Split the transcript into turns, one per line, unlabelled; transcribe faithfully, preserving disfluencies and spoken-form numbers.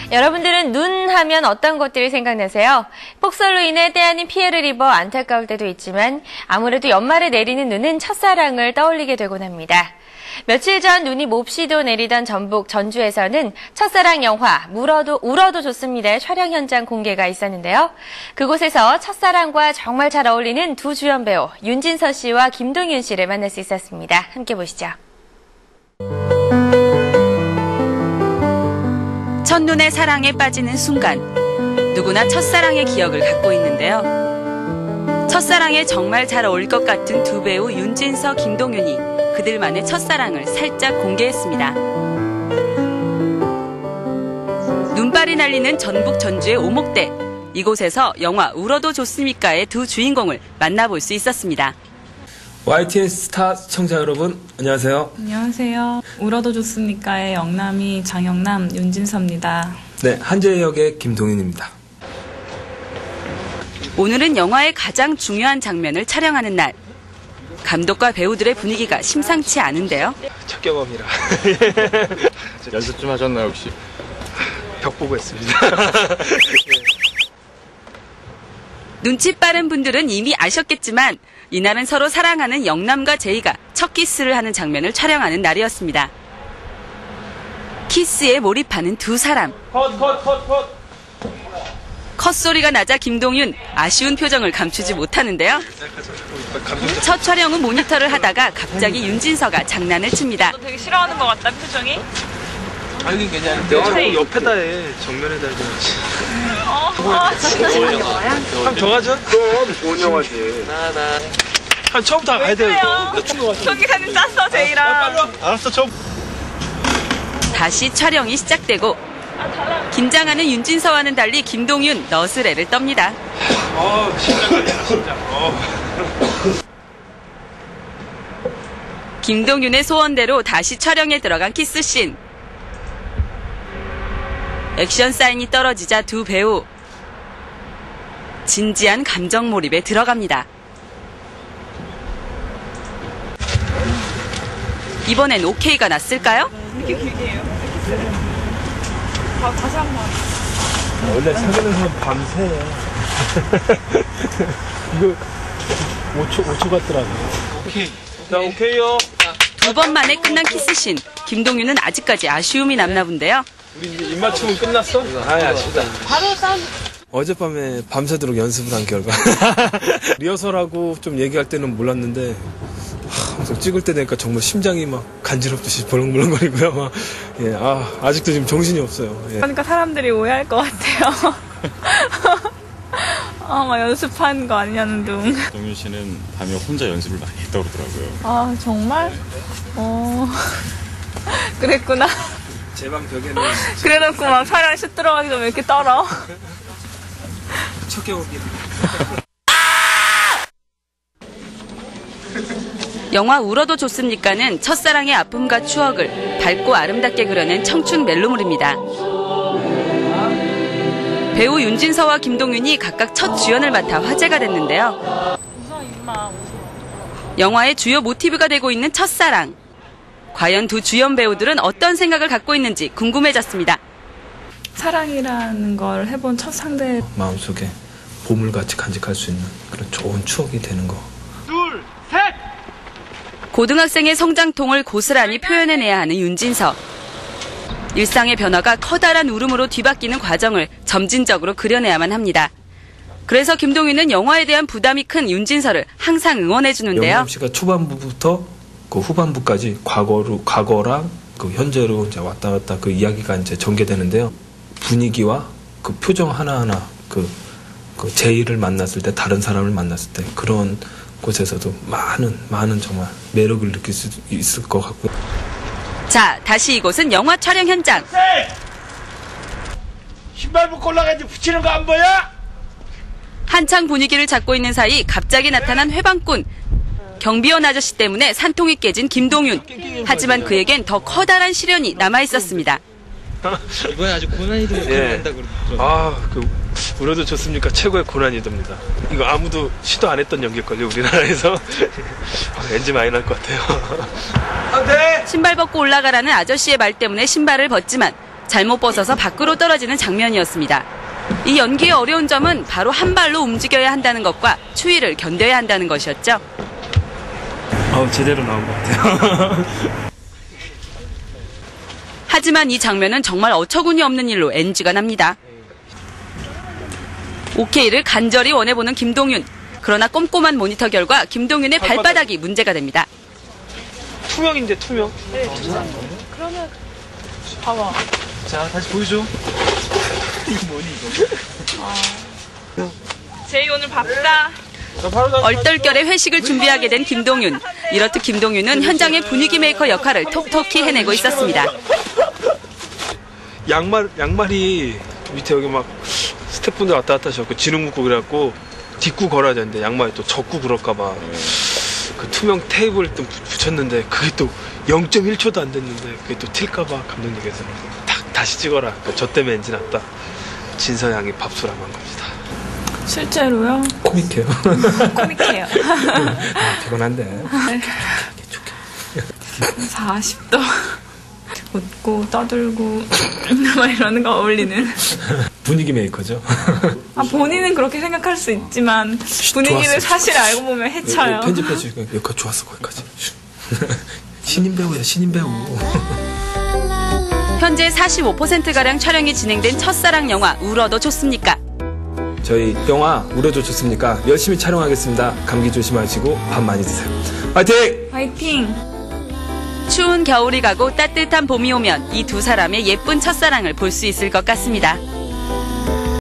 여러분들은 눈 하면 어떤 것들이 생각나세요? 폭설로 인해 때 아닌 피해를 입어 안타까울 때도 있지만 아무래도 연말에 내리는 눈은 첫사랑을 떠올리게 되곤 합니다. 며칠 전 눈이 몹시도 내리던 전북 전주에서는 첫사랑 영화 울어도, 울어도 좋습니다의 촬영 현장 공개가 있었는데요. 그곳에서 첫사랑과 정말 잘 어울리는 두 주연 배우 윤진서 씨와 김동윤 씨를 만날 수 있었습니다. 함께 보시죠.
첫눈에 사랑에 빠지는 순간, 누구나 첫사랑의 기억을 갖고 있는데요. 첫사랑에 정말 잘 어울릴 것 같은 두 배우 윤진서, 김동윤이 그들만의 첫사랑을 살짝 공개했습니다. 눈발이 날리는 전북 전주의 오목대, 이곳에서 영화 울어도 좋습니까의 두 주인공을 만나볼 수 있었습니다.
와이티엔 스타 시청자 여러분, 안녕하세요.
안녕하세요. 울어도 좋습니까의 영남이 장영남 윤진서입니다.
네, 한재 역의 김동윤입니다.
오늘은 영화의 가장 중요한 장면을 촬영하는 날. 감독과 배우들의 분위기가 심상치 않은데요.
첫 경험이라.
연습 좀 하셨나요, 혹시?
벽 보고 했습니다.
눈치 빠른 분들은 이미 아셨겠지만 이날은 서로 사랑하는 영남과 제이가 첫 키스를 하는 장면을 촬영하는 날이었습니다. 키스에 몰입하는 두 사람.
컷, 컷, 컷, 컷.
컷소리가 나자 김동윤 아쉬운 표정을 감추지 못하는데요. 첫 촬영은 모니터를 하다가 갑자기 윤진서가 장난을 칩니다.
너 되게 싫어하는 것 같다, 표정이?
아니, 괜찮은데. 자꾸 옆에다 해. 정면에다 해야지.
어, 아, 진짜.
한 정하죠?
그럼 좋은 영화지.
나, 나. 한 처음부터 가야 돼요, 이거.
저기 사진 짰어, 제이랑.
알았어, 처음.
다시 촬영이 시작되고 긴장하는 윤진서와는 달리 김동윤 너스레를 떱니다.
어, 심장 걸려, 심장. 어.
김동윤의 소원대로 다시 촬영에 들어간 키스씬. 액션 사인이 떨어지자 두 배우 진지한 감정 몰입에 들어갑니다. 이번엔 오케이가 났을까요?
이렇게 길게 해요. 다, 다시 한 번.
원래 사귀는 사람 밤새. 이거 오 초, 오 초 같더라고. 오케이. 자, 오케이요.
두 번 만에 끝난 키스씬. 김동윤은 아직까지 아쉬움이 남나 본데요.
우리 이제 입맞춤은 끝났어? 아, 아쉽다. 바로 싸움. 어젯밤에 밤새도록 연습을 한 결과. 리허설하고 좀 얘기할 때는 몰랐는데, 하, 찍을 때 되니까 정말 심장이 막 간지럽듯이 벌렁벌렁거리고요. 막, 예, 아, 아직도 지금 정신이 없어요. 예.
그러니까 사람들이 오해할 것 같아요. 아, 막 연습한 거 아니냐는 둥.
동윤 씨는 밤에 혼자 연습을 많이 했다고 그러더라고요.
아, 정말? 어. 그랬구나.
제 방 벽에는.
그래놓고 막 촬영 슛 들어가기 전에 왜 이렇게 떨어?
첫 경험이에요.
영화 울어도 좋습니까는 첫사랑의 아픔과 추억을 밝고 아름답게 그려낸 청춘 멜로물입니다. 배우 윤진서와 김동윤이 각각 첫 주연을 맡아 화제가 됐는데요. 영화의 주요 모티브가 되고 있는 첫사랑. 과연 두 주연 배우들은 어떤 생각을 갖고 있는지 궁금해졌습니다.
사랑이라는 걸 해본 첫 상대.
마음속에 보물같이 간직할 수 있는 그런 좋은 추억이 되는 거.
둘, 셋!
고등학생의 성장통을 고스란히 표현해내야 하는 윤진서. 일상의 변화가 커다란 울음으로 뒤바뀌는 과정을 점진적으로 그려내야만 합니다. 그래서 김동윤은 영화에 대한 부담이 큰 윤진서를 항상 응원해주는데요.
영남 씨가 초반부부터 그 후반부까지 과거로, 과거랑 그 현재로 이제 왔다 갔다 그 이야기가 이제 전개되는데요. 분위기와 그 표정 하나하나 그, 그 제이를 만났을 때, 다른 사람을 만났을 때 그런 곳에서도 많은, 많은 정말 매력을 느낄 수 있을 것 같고요.
자, 다시 이곳은 영화 촬영 현장.
신발 벗고 올라가야지 붙이는 거 안 보여?
한창 분위기를 잡고 있는 사이 갑자기 나타난 회방꾼. 경비원 아저씨 때문에 산통이 깨진 김동윤. 하지만 그에겐 더 커다란 시련이 남아있었습니다.
이번에 아주 고난이도를 한다고 그러더라고요.
아, 그 울어도 좋습니까? 최고의 고난이도입니다. 이거 아무도 시도 안 했던 연기걸요, 우리나라에서. 엔지 많이 날 것 같아요.
신발 벗고 올라가라는 아저씨의 말 때문에 신발을 벗지만 잘못 벗어서 밖으로 떨어지는 장면이었습니다. 이 연기의 어려운 점은 바로 한 발로 움직여야 한다는 것과 추위를 견뎌야 한다는 것이었죠.
어, 제대로 나온 것 같아요.
하지만 이 장면은 정말 어처구니 없는 일로 엔지가 납니다. 오케이를 간절히 원해보는 김동윤. 그러나 꼼꼼한 모니터 결과 김동윤의 발바닥이 문제가 됩니다.
투명인데 투명.
네, 그러면 봐봐.
자, 다시 보여줘. 이거 뭐니 이거?
아. 제이 오늘 바쁘다.
얼떨결에 회식을 준비하게 된 김동윤. 이렇듯 김동윤은 현장의 분위기 메이커 역할을 톡톡히 해내고 있었습니다.
양말 양말이 밑에 여기 막 스태프분들 왔다 갔다 하셨고 진흙 묻고 그래갖고 딛고 걸어야 되는데 양말이 또 젖고 그럴까봐 그 투명 테이블 또 붙였는데 그게 또 영 점 일 초도 안 됐는데 그게 또 튈까봐 감독님께서 다, 다시 찍어라. 저 때문에 엔진 났다. 진서양이 밥수라고 한 겁니다.
실제로요?
코믹해요.
코믹해요.
아, 피곤한데.
사십 도 웃고 떠들고 막 이러는 거 어울리는.
분위기 메이커죠.
아, 본인은 그렇게 생각할 수 있지만 분위기를
좋았어.
사실 알고 보면 해쳐요.
편집해 주니까 여기까지 좋았어, 거기까지. 신인 배우야, 신인 배우.
현재 사십오 퍼센트가량 촬영이 진행된 첫사랑 영화 울어도 좋습니까?
저희 영화 울어도 좋습니까? 열심히 촬영하겠습니다. 감기 조심하시고 밥 많이 드세요. 화이팅!
화이팅!
추운 겨울이 가고 따뜻한 봄이 오면 이 두 사람의 예쁜 첫사랑을 볼 수 있을 것 같습니다.